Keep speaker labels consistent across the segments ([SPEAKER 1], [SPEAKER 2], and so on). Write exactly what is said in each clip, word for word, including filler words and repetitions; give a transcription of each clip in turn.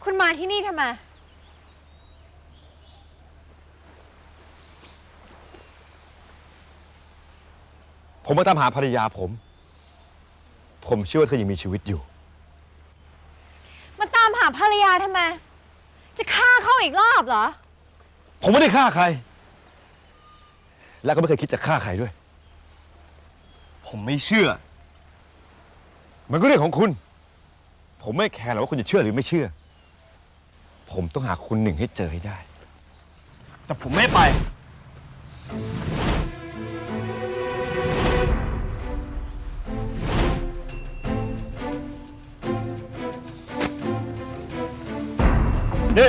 [SPEAKER 1] คุณมาที่นี่ทำไม
[SPEAKER 2] ผมมาตามหาภรรยาผม ผมเชื่อว่าเธอยังมีชีวิตอยู่
[SPEAKER 1] มาตามหาภรรยาทำไมจะฆ่าเขาอีกรอบเหรอ
[SPEAKER 2] ผมไม่ได้ฆ่าใครและก็ไม่เคยคิดจะฆ่าใครด้วย
[SPEAKER 3] ผมไม่เชื่อ
[SPEAKER 2] มันก็เรื่องของคุณผมไม่แคร์หรอกว่าคุณจะเชื่อหรือไม่เชื่อผมต้องหาคุณหนึ่งให้เจอให้ได้
[SPEAKER 3] แต่ผมไม่ไปนี่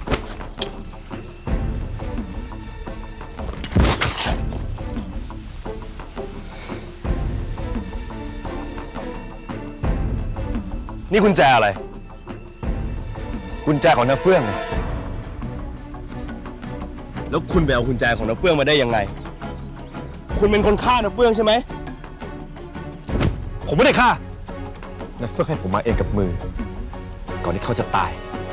[SPEAKER 2] นี่กุญแจอะไรกุญแจของน้าเฟื่อง
[SPEAKER 3] แล้วคุณไปเอากุญแจของน้าเฟื่องมาได้ยังไงคุณเป็นคนฆ่าน้าเฟื่องใช่ไหม
[SPEAKER 2] ผมไม่ได้ฆ่าน้าเฟื่องให้ผมมาเองกับมือก่อนที่เขาจะตาย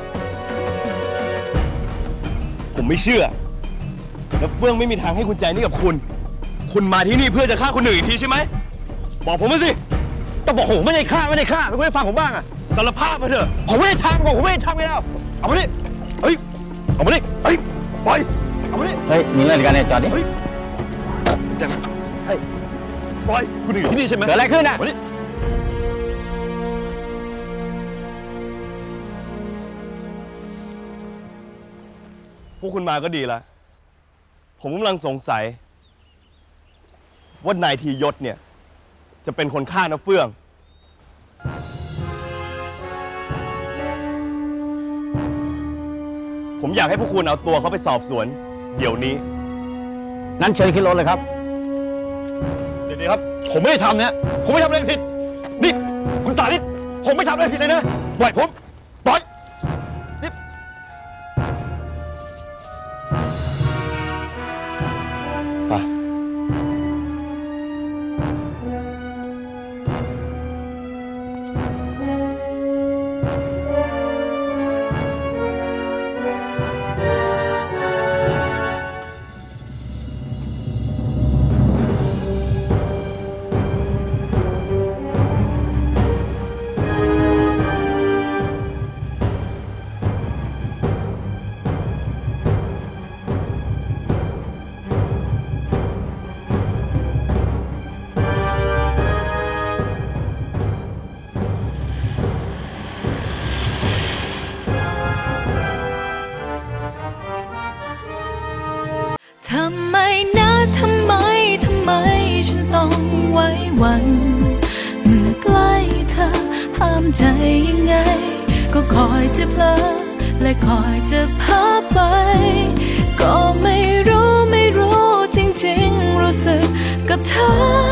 [SPEAKER 3] ผมไม่เชื่อน้าเฟื่องไม่มีทางให้กุญแจนี้กับคุณคุณมาที่นี่เพื่อจะฆ่าคนอื่นอีกทีใช่ไหมบอกผมมาสิ
[SPEAKER 2] ต้องบอกผมไม่ได้ฆ่าไม่ได้ฆ่าไม่ได้ฟังผมบ้างอะ
[SPEAKER 3] สารภาพมาเถอะ
[SPEAKER 2] ผมไม่ได้ทำผมไม่ได้ทำไงแล้วเอามาดิเฮ้ยเอามาดิเฮ้ยปล่อยเอามาดิ
[SPEAKER 4] เฮ้ยมีเรื่องกันเนี่ยจอดดิ
[SPEAKER 2] เฮ้ยจังเฮ้ยปล่อยคุณอยู่ที่นี่ใช่ไหม
[SPEAKER 4] เกิดอะไรขึ้นอ่ะ
[SPEAKER 3] พวกคุณมาก็ดีละผมกำลังสงสัยว่านายทียศเนี่ยจะเป็นคนฆ่าน้าเฟื่องผมอยากให้พวกคุณเอาตัวเขาไปสอบสวนเดี๋ยวนี้
[SPEAKER 4] นั้นเชิญขึ้นรถเลยครับ
[SPEAKER 2] เดี๋ยวๆครับผมไม่ได้ทำเนี่ยผมไม่ทำอะไรผิดนี่คุณสาธิตผมไม่ทำอะไรผิดเลยนะปล่อยผมปล่อยนี่ไป
[SPEAKER 5] ทำไมนะทำไมทำไมฉันต้องไว้วันเมื่อใกล้เธอห้ามใจยังไงก็คอยจะเพลอและคอยจะพาไปก็ไม่รู้ไม่รู้จริงๆรู้สึกกับเธอ